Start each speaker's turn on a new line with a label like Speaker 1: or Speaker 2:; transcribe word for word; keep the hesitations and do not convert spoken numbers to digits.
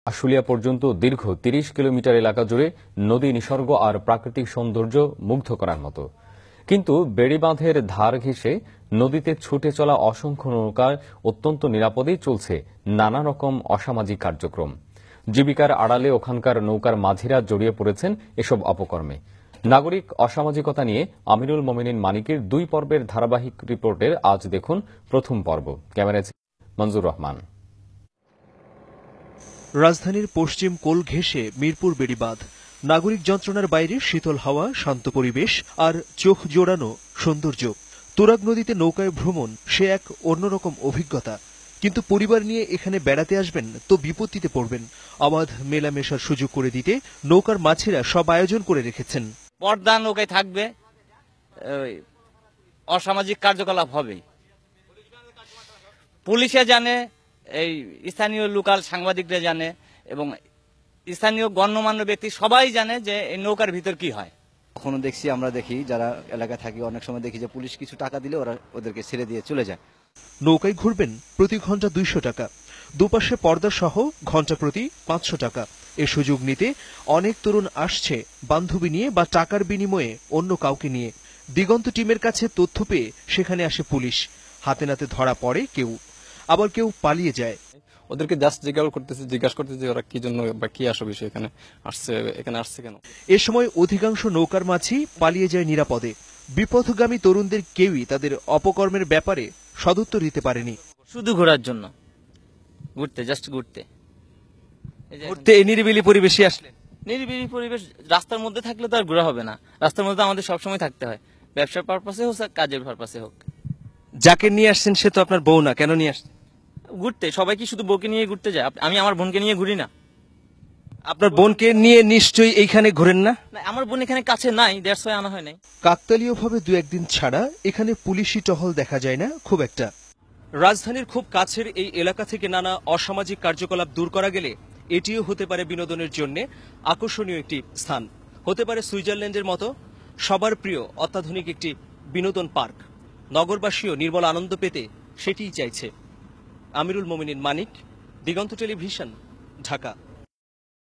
Speaker 1: আশুলিয়া পর্যন্ত দীর্ঘ তিরিশ কিলোমিটার এলাকা জুড়ে নদী নিসর্গ আর প্রাকৃতিক সৌন্দর্য মুগ্ধ করার মতো। কিন্তু বেড়িবাঁধের ধার ঘেঁষে নদীতে ছুটে চলা অসংখ্য নৌকায় অত্যন্ত নিরাপদেই চলছে নানা রকম অসামাজিক কার্যক্রম। জীবিকার আড়ালে ওখানকার নৌকার মাঝিরা জড়িয়ে পড়েছেন এসব অপকর্মে। নাগরিক অসামাজিকতা নিয়ে আমিরুল মোমিনিন মানিকের দুই পর্বের ধারাবাহিক রিপোর্টের আজ দেখুন প্রথম পর্ব। ক্যামেরায় মঞ্জুর রহমান।
Speaker 2: রাজধানীর পশ্চিম কোল ঘেঁষে মিরপুর বেড়িবাঁধ। নাগরিক যন্ত্রণার বাইরে শীতল হাওয়া, শান্ত পরিবেশ আর চোখ জোড়ানো সৌন্দর্য। তুরাগ নদীতে নৌকায় ভ্রমণ সে এক অন্যরকম অভিজ্ঞতা। কিন্তু পরিবার নিয়ে এখানে বেড়াতে আসবেন তো বিপত্তিতে পড়বেন। অবাধ মেলামেশার সুযোগ করে দিতে নৌকার মাঝিরা সব আয়োজন করে রেখেছেন।
Speaker 3: পর্দা নৌকায় থাকবে, অসামাজিক কার্যকলাপ হবে। পুলিশে জানে, এই স্থানীয় লোকাল সাংবাদিকরা জানে এবং স্থানীয় গণ্যমান্য ব্যক্তি সবাই জানে যে এই নৌকার ভিতর কি হয়।
Speaker 4: কখনো দেখছি, আমরা দেখি যারা এলাকায় থাকি, অনেক সময় দেখি যে পুলিশ কিছু টাকা দিলে ওরা ওদেরকে ছেড়ে দিয়ে চলে যায়।
Speaker 2: নৌকায় ঘুরবেন প্রতি ঘন্টা দুইশো টাকা, দুপাশে পর্দা সহ ঘন্টা প্রতি পাঁচশো টাকা। এ সুযোগ নিতে অনেক তরুণ আসছে বান্ধবী নিয়ে বা টাকার বিনিময়ে অন্য কাউকে নিয়ে। দিগন্ত টিমের কাছে তথ্য পেয়ে সেখানে আসে পুলিশ। হাতে নাতে ধরা পড়ে কেউ, আবার কেউ পালিয়ে যায়।
Speaker 5: ওদেরকে জাস্ট জিজ্ঞাসা করতেছে জিজ্ঞাসা করতেছে ওরা কি জন্য বা কি আসো বিষয় এখানে আসছে এখানে আসছে কেন।
Speaker 2: এ সময় অধিকাংশ নৌকার মাঝি পালিয়ে যায় নিরাপদে। বিপথগামী তরুণদের কেউই তাদের অপকর্মের ব্যাপারে সদুত্তর দিতে পারেনি।
Speaker 3: শুধু ঘোরার জন্য, ঘুরতে, জাস্ট ঘুরতে
Speaker 2: ঘুরতে এই নিরিবিলি পরিবেশে আসলেন।
Speaker 3: নিরিবিলি পরিবেশ, রাস্তার মধ্যে থাকলে তো আর ঘোরা হবে না। রাস্তার মধ্যে আমাদের সবসময় থাকতে হয়, ব্যবসার পারপাসে হোক কাজের পারপাসে হোক।
Speaker 2: যাকে নিয়ে আসছেন সে তো আপনার বউ না, কেন নিয়ে আসছেন?
Speaker 3: ঘুরতে। সবাই কি শুধু বউকে নিয়ে ঘুরতে যায়? আমি আমার বোনকে নিয়ে ঘুরি না।
Speaker 2: আপনার বোনকে নিয়ে নিশ্চয়ই এইখানে ঘোরেন না?
Speaker 3: আমার বোন এখানে কাছে নাই, দ্যাটস ওয়াই আনা হয় নাই।
Speaker 2: কাকতালীয়ভাবে দু একদিন ছাড়া এখানে পুলিশি টহল দেখা যায় না খুব একটা। রাজধানীর খুব কাছের এই এলাকা থেকে নানা অসামাজিক কার্যকলাপ দূর করা গেলে এটিও হতে পারে বিনোদনের জন্য আকর্ষণীয় একটি স্থান। হতে পারে সুইজারল্যান্ডের মতো সবার প্রিয় অত্যাধুনিক একটি বিনোদন পার্ক। নগরবাসীও নির্মল আনন্দ পেতে সেটিই চাইছে। আমিরুল মোমিনিন মানিক, দিগন্ত টেলিভিশন, ঢাকা।